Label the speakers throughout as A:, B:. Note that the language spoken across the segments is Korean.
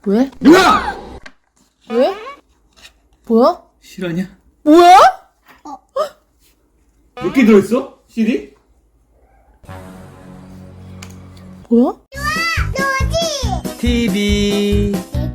A: 왜?
B: 뭐야?
A: 왜? 뭐야?
B: 실화냐?
A: 뭐야?
B: 몇 개 들어있어? CD?
A: 뭐야?
B: TV.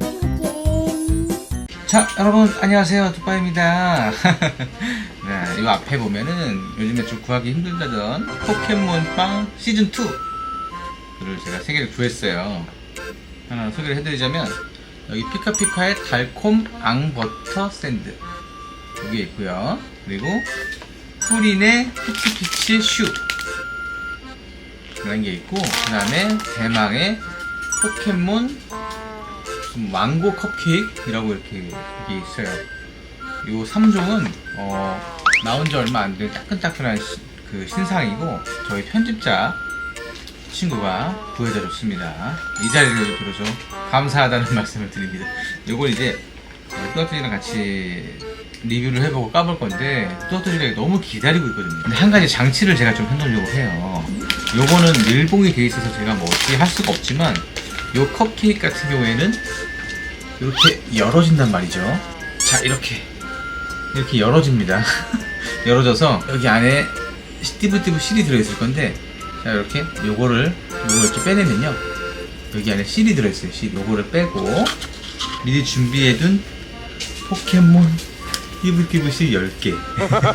B: 자, 여러분 안녕하세요. 뚜빠입니다. 네, 이 앞에 보면은 요즘에 좀 구하기 힘들다던 포켓몬빵 시즌2를 제가 3개를 구했어요. 하나 소개를 해드리자면 여기 피카피카의 달콤 앙버터 샌드 여기 있고요. 그리고 푸린의 피치피치 슈 그런 게 있고, 그 다음에 대망의 포켓몬 망고 컵케이크라고 이렇게 이게 있어요. 이 3종은 나온 지 얼마 안 된 따끈따끈한 그 신상이고, 저희 편집자 친구가 구해다 줬습니다. 이 자리를 빌어서 감사하다는 말씀을 드립니다. 요걸 이제 뚜아뚜지랑 같이 리뷰를 해보고 까볼 건데, 뚜아뚜지가 너무 기다리고 있거든요. 근데 한 가지 장치를 제가 좀 해놓으려고 해요. 요거는 밀봉이 돼 있어서 제가 뭐 어떻게 할 수가 없지만, 요 컵케이크 같은 경우에는 이렇게 열어진단 말이죠. 자, 이렇게 열어집니다. 열어져서 여기 안에 띠부띠부 실이 들어있을 건데, 자, 이렇게 요거를 이렇게 빼내면요, 여기 안에 실이 들어있어요. 실. 요거를 빼고 미리 준비해둔 포켓몬 띠부띠부 실 10개 요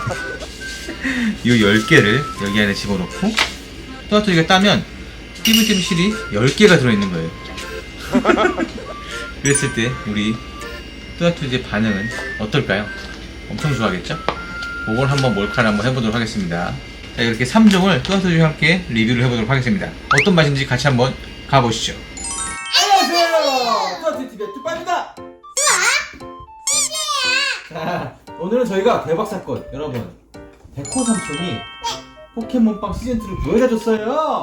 B: 10개를 여기 안에 집어넣고, 뚜아뚜지가 따면 띠부띠부 실이 10개가 들어있는 거예요. 그랬을 때 우리 뚜아뚜지의 반응은 어떨까요? 엄청 좋아하겠죠? 그걸 한번 몰카를 한번 해보도록 하겠습니다. 자, 이렇게 3종을 뚜아뚜지와 함께 리뷰를 해보도록 하겠습니다. 어떤 맛인지 같이 한번 가보시죠.
C: 안녕하세요. 뚜아뚜지TV의 뚜빠입니다. 자, 오늘은 저희가 대박 사건, 여러분, 백호 삼촌이 포켓몬빵 시즌2를 구해다줬어요.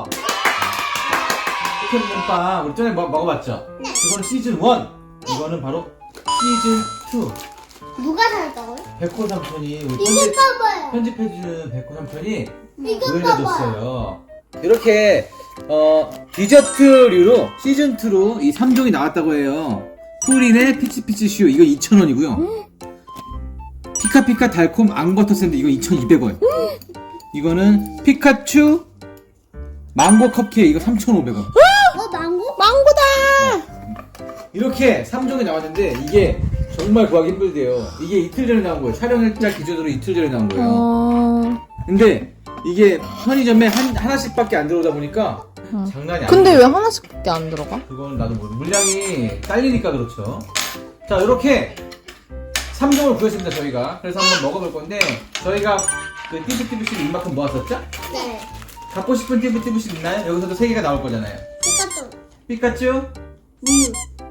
C: 포켓몬빵 우리 전에 먹어봤죠? 그거는 시즌1, 이거는 바로 시즌2.
D: 누가 살까요?
C: 백호 삼촌이 우리
D: 이거 봐봐요.
C: 편집해주는 백호 삼촌이
D: 이거 봐봐요.
C: 구해다줬어요. 이렇게 디저트류로 시즌2로 이 3종이 나왔다고 해요. 푸린의 피치피치 슈, 이거 2,000원이고요. 피카피카 달콤 앙버터 샌드, 이거 2,200원. 이거는 피카츄 망고 컵케이크, 이거 3,500원.
D: 망고?
A: 망고다!
C: 이렇게 3종이 나왔는데, 이게 정말 구하기 힘들대요. 이게 이틀 전에 나온 거예요. 촬영일자 기준으로 이틀 전에 나온 거예요. 근데 이게 편의점에 하나씩밖에 안 들어오다 보니까 장난이 아니에요.
A: 근데 왜 하나씩밖에 안 들어가?
C: 그건 나도 모르. 물량이 딸리니까 그렇죠. 자, 이렇게 3종을 구했습니다, 저희가. 그래서 한번 먹어볼 건데, 저희가 그 띠부띠부실 이만큼 모았었죠?
D: 네.
C: 갖고 싶은 띠부띠부실 있나요? 여기서도 3개가 나올 거잖아요.
D: 피카츄.
C: 피카츄,
D: 뮤.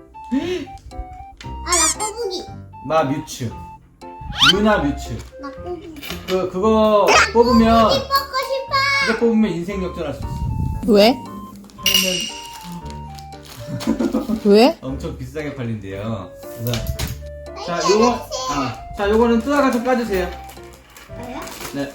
D: 아, 나 꼬부기.
C: 마 뮤츠, 유나 뮤츠.
D: 나 꼬부기.
C: 그거 뽑으면,
D: 먹고 싶어.
C: 이거 뽑으면 인생 역전할 수 있어.
A: 왜?
C: 팔면
A: 왜?
C: 엄청 비싸게 팔린대요. 그래서 자, 자, 요거는 뚜아가 좀 까주세요.
D: 뭐야?
C: 네.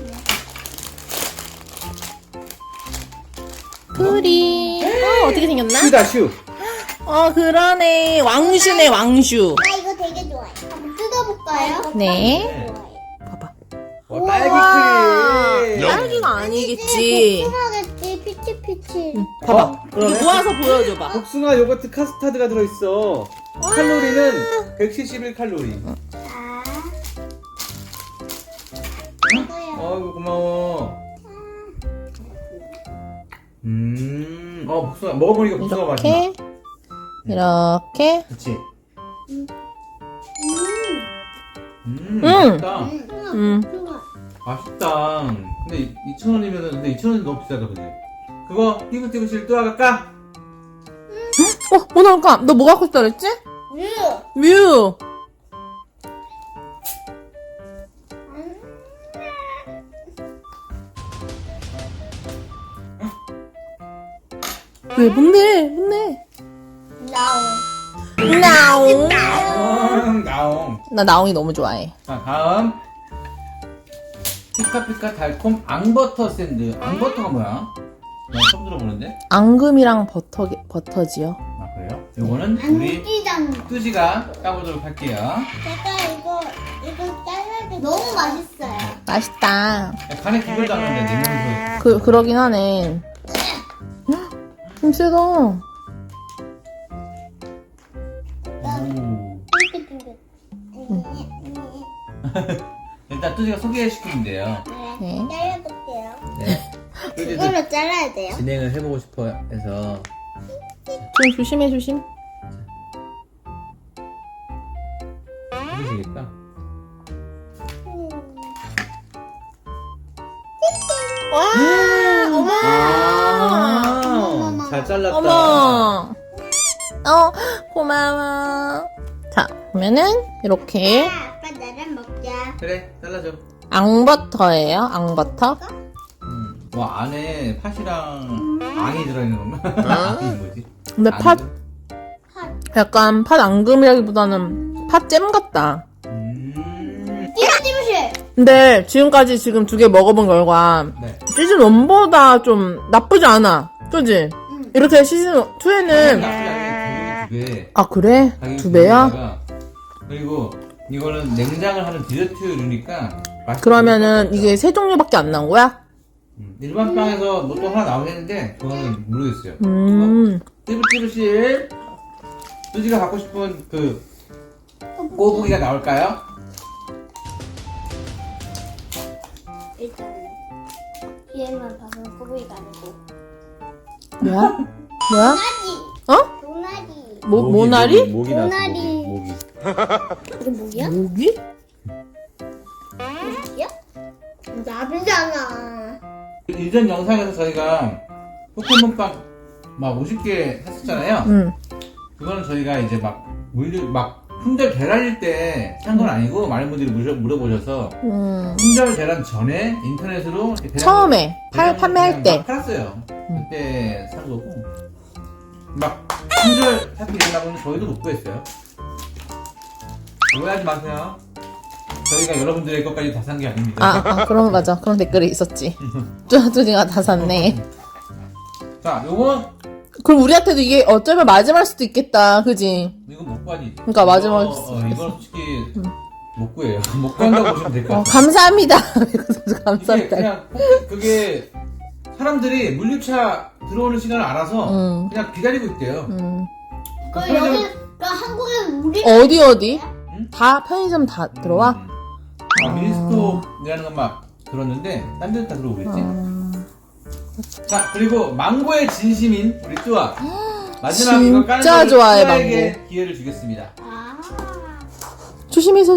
A: 프리. 어떻게 생겼나?
C: 슈다 슈.
A: 그러네. 왕슈네, 왕슈.
D: 나 이거 되게 좋아해. 한번 뜯어볼까요?
A: 네.
D: 좋아해.
A: 봐봐.
C: 딸기크림.
A: 딸기가 아니겠지.
D: 복숭아겠지. 피치피치.
A: 봐봐.
C: 그러네.
A: 이거 모아서 보여줘봐.
C: 복숭아 요거트 카스타드가 들어있어. 칼로리는 171칼로리.
D: 자.
C: 아이고, 고마워. 복숭아 먹어보니까 복숭아 맛이 나.
A: 이렇게.
C: 그치?
D: 음.
C: 맛있다.
D: 좋아.
C: 맛있다. 근데 2,000원이면은, 근데 2,000원이 너무 비싸다, 그지? 그거 띠부띠부실 뚜아가 까?
A: 뭐 나올까? 너 뭐 갖고 싶다 그랬지?
D: 뮤.
A: 뮤. 왜? 뭔데?
D: 나온.
A: 나옹.
C: 나옹.
A: 나 나옹이 너무 좋아해.
C: 자, 다음. 피카피카 달콤 앙버터 샌드. 앙버터가 뭐야? 나 처음 들어보는데?
A: 앙금이랑 버터지요.
C: 아, 그래요?
B: 거예요. 요거는 우리
D: 안기장.
B: 뚜지가 까보도록 할게요.
D: 제가 이거 잘라야 돼. 너무 맛있어요.
A: 맛있다.
B: 간에 기별도 안 하는데 내 몸에서.
A: 그러긴 하네. 좀 세다.
B: 오.
D: 쫄깃쫄깃.
B: 일단 뚜지가 소개시키면 돼요.
A: 네.
D: 잘라볼게요.
B: 네. 뚜지도
D: 이걸로 잘라야 돼요.
B: 진행을 해보고 싶어 해서.
A: 좀 조심해, 조심.
B: 해주시겠다.
A: 와, 어머.
B: 아, 잘 잘랐다.
A: 어머. 고마워. 자, 그러면은 이렇게
D: 아빠 나랑 먹자.
B: 그래, 잘라줘.
A: 앙버터예요. 앙버터.
B: 와, 안에 팥이랑 앙이 들어있는 건가? 앙이 뭐지?
A: 근데 팥 약간 팥 앙금이라기보다는 팥잼 같다.
D: 찌무실.
A: 근데 지금까지 지금 2개 먹어본 결과
B: 네.
A: 시즌 1보다 좀 나쁘지 않아. 그지?
D: 응.
A: 이렇게 시즌 2에는
B: 두 배.
A: 아 그래?
B: 가격이
A: 2배야?
B: 두 배가. 그리고 이거는 냉장을 하는 디저트류니까 맛있게
A: 그러면은
B: 먹을 것
A: 이게 3종류밖에 안 나온 거야?
B: 일반 빵에서 뭐 또 하나 나오겠는데 그거는 모르겠어요. 찌부찌부실 뚜지가 갖고 싶은 그 꼬부기가 나올까요?
D: 일단 뒤에만 봐서 꼬부기가 아니고
A: 뭐야? 뭐야?
D: 도나지.
A: 어?
D: 도나지.
A: 모나리?
B: 모기
D: 모나리.
B: 모기.
D: 이게 뭐야?
A: 모기?
D: 뭐야? 나비잖아.
B: 이전 영상에서 저희가 포켓몬빵 막 50개 샀었잖아요.
A: 응.
B: 그거는 저희가 이제 막 품절 대란일 때 산 건 아니고 많은 분들이 물어보셔서 품절 대란 전에 인터넷으로 이렇게
A: 처음에 판매할
B: 그냥
A: 때.
B: 막 팔았어요. 그때 산 거고 막 품절 사태 일어나면 저희도 못 구했어요. 오해하지 마세요. 저희가 여러분들의 것까지 다 산 게 아닙니다.
A: 그런 맞아. 그런 댓글이 있었지. 뚜디가 다 샀네.
B: 자, 요건
A: 그럼 우리한테도 이게 어쩌면 마지막일 수도 있겠다. 그지?
B: 이건 못 구하지.
A: 그러니까 마지막에
B: 이건 솔직히 못 구해요. 못 구한다고 보시면 될 것 같아요.
A: 감사합니다.
B: 이게
A: 감사합니다.
B: 그냥 그게 사람들이 물류차 들어오는 시간을 알아서 그냥 기다리고 있대요.
D: 그 여기 한국에 우리
A: 어디?
B: 응?
A: 다 편의점 다 들어와?
B: 미니스톱이라는 건 막 들었는데 딴 데도 다 들어오고 있지. 자, 그리고 망고의 진심인 우리 뚜아 마지막 이거 까는
A: 진짜
B: 거를
A: 좋아해,
B: 뚜아에게 기회를 주겠습니다.
A: 조심해.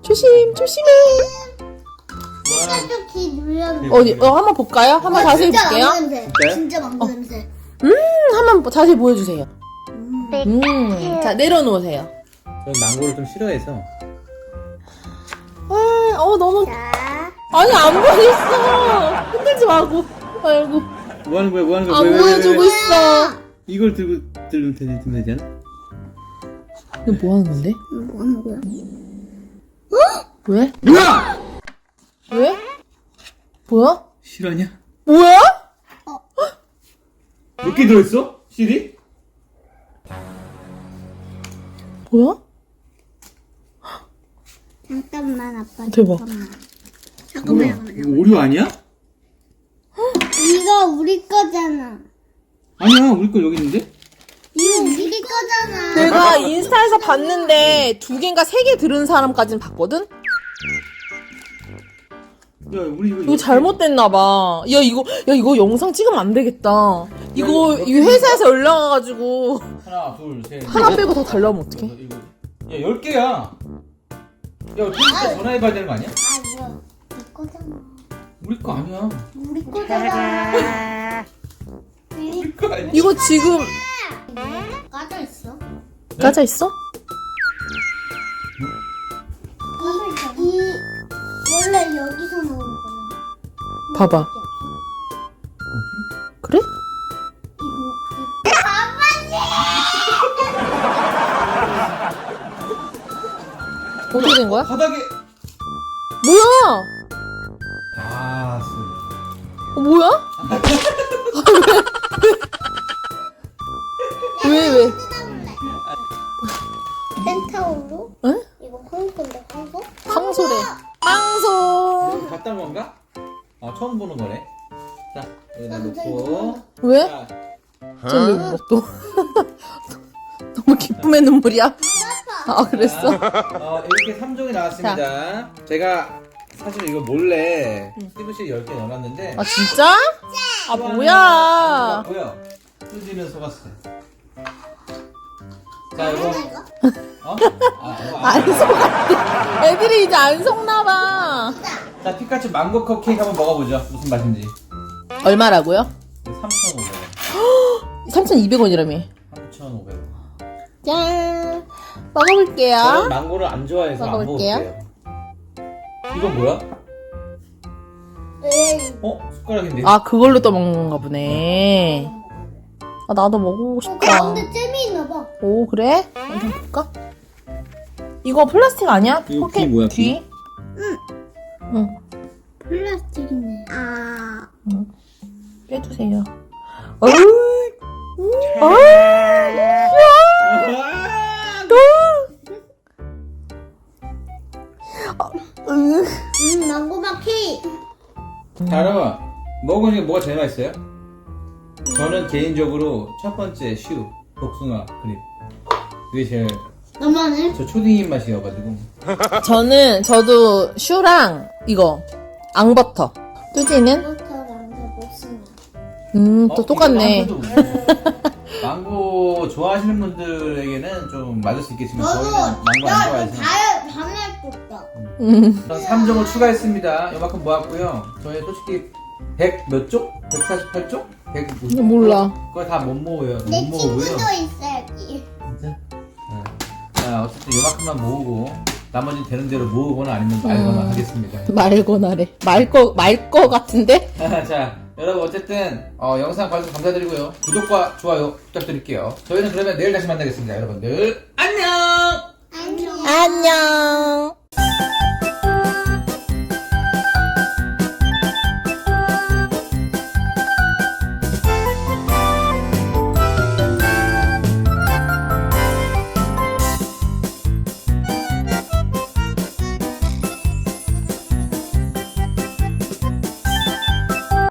D: 피카츄 키 눌려.
A: 어디? 한번 볼까요? 한번 자세히 볼게요.
D: 진짜 망고 냄새.
A: 한번 자세히 보여주세요. 자 내려놓으세요.
B: 전 망고를 좀 싫어해서.
A: 너무
D: 자,
A: 아니 안 보였어. 흔들지 말고. 아이고
B: 뭐 하는 거야?
A: 안 보여주고 있어.
B: 이걸 들면 되지 않아?
A: 이거 뭐 하는 건데?
D: 뭐 하는 거야?
A: 왜?
B: 뭐야?
A: 왜? 뭐야?
B: 실화냐?
A: 뭐야?
B: 몇 개 들어있어? CD?
A: 뭐야?
D: 잠깐만 아빠.
A: 대박.
D: 잠깐만.
B: 이거 오류 아니야?
D: 이거 우리 거잖아.
B: 아니야, 우리 거 여기 있는데?
D: 이거 우리 거잖아.
A: 내가 인스타에서 봤는데 2개인가 3개 들은 사람까지는 봤거든?
B: 야, 우리
A: 이거 잘못됐나봐. 야, 이거 영상 찍으면 안 되겠다. 이거 이 회사에서 연락 와가지고
B: 하나, 둘, 셋.
A: 하나 빼고 다 달라면 어떡해?
B: 이거. 야, 10개야. 야, 진짜 전화해봐야 되는 거 아니야?
D: 이거 우리 거잖아.
B: 우리 거 아니야.
D: 우리 거잖아.
B: 우리 거 아니야.
A: 이거 지금
D: 까져 있어.
A: 까져 있어?
D: 이 원래 여기서 나오는 거야.
A: 봐봐. 그래? 어떻게 된 거야?
B: 바닥에.
A: 뭐야?
B: 아,
A: 뭐야? 왜?
C: 건가? 처음 보는 거네. 자, 여기다 놓고.
A: 왜?
C: 자,
A: 쟤왜 울어 또? 너무 기쁨의 눈물이야? 아 그랬어?
C: 이렇게 3종이 나왔습니다. 제가 사실 이거 몰래 스티브씨 10개 넣어놨는데.
A: 아 진짜? 아 뭐야?
C: 뭐야? 뚜지는 속았어. 자, 이거. 이거
A: 안 속았대. 애들이 이제 안 속나봐.
C: 자, 피카츄 망고 컵케이크 한번 먹어보죠. 무슨 맛인지.
A: 얼마라고요?
C: 3,500원.
A: 3,200원이라며.
C: 3,500원.
A: 짠. 먹어볼게요.
C: 저는 망고를 안 좋아해서 안
A: 먹어볼게요.
C: 먹을게요. 이건 뭐야? 숟가락인데.
A: 아 그걸로 떠먹는 건가 보네. 아 나도 먹어보고 싶다.
D: 가운데 잼이 있나 봐.
A: 오 그래? 한번 볼까? 이거 플라스틱 아니야?
C: 이거
A: 포켓
C: 귀 뭐야,
A: 귀?
C: 귀?
A: 응.
D: 플라스틱이네.
A: 빼주세요. 어이.
D: 망고맛 케이크.
C: 자, 여러분. 먹은 중에 뭐가 제일 맛있어요? 저는 개인적으로 첫 번째 슈, 복숭아 크림. 그게 제일
D: 너만은?
C: 저 초딩 입맛이어가지고.
A: 저도 슈랑 이거 앙버터. 뚜지는?
D: 버터랑 복숭아.
A: 또 똑같네.
C: 이거 망고 좋아하시는 분들에게는 좀 맞을 수 있겠지만 저희는 망고 안 좋아해서
D: 밤에 줬다.
C: 3종을 추가했습니다. 이만큼 모았고요. 저희 솔직히 100 몇 쪽? 148쪽? 100
A: 몰라.
C: 그거 다 못 모으고요.
D: 내
C: 못 모으고요.
D: 친구도 있어야지.
C: 진짜? 자, 어쨌든 요만큼만 모으고 나머지는 되는 대로 모으거나 아니면 말거나 하겠습니다.
A: 말고나래. 말 거 같은데?
C: 자, 여러분 어쨌든 영상 봐주셔서 감사드리고요. 구독과 좋아요 부탁드릴게요. 저희는 그러면 내일 다시 만나겠습니다. 여러분들 안녕!
D: 안녕.
A: 안녕.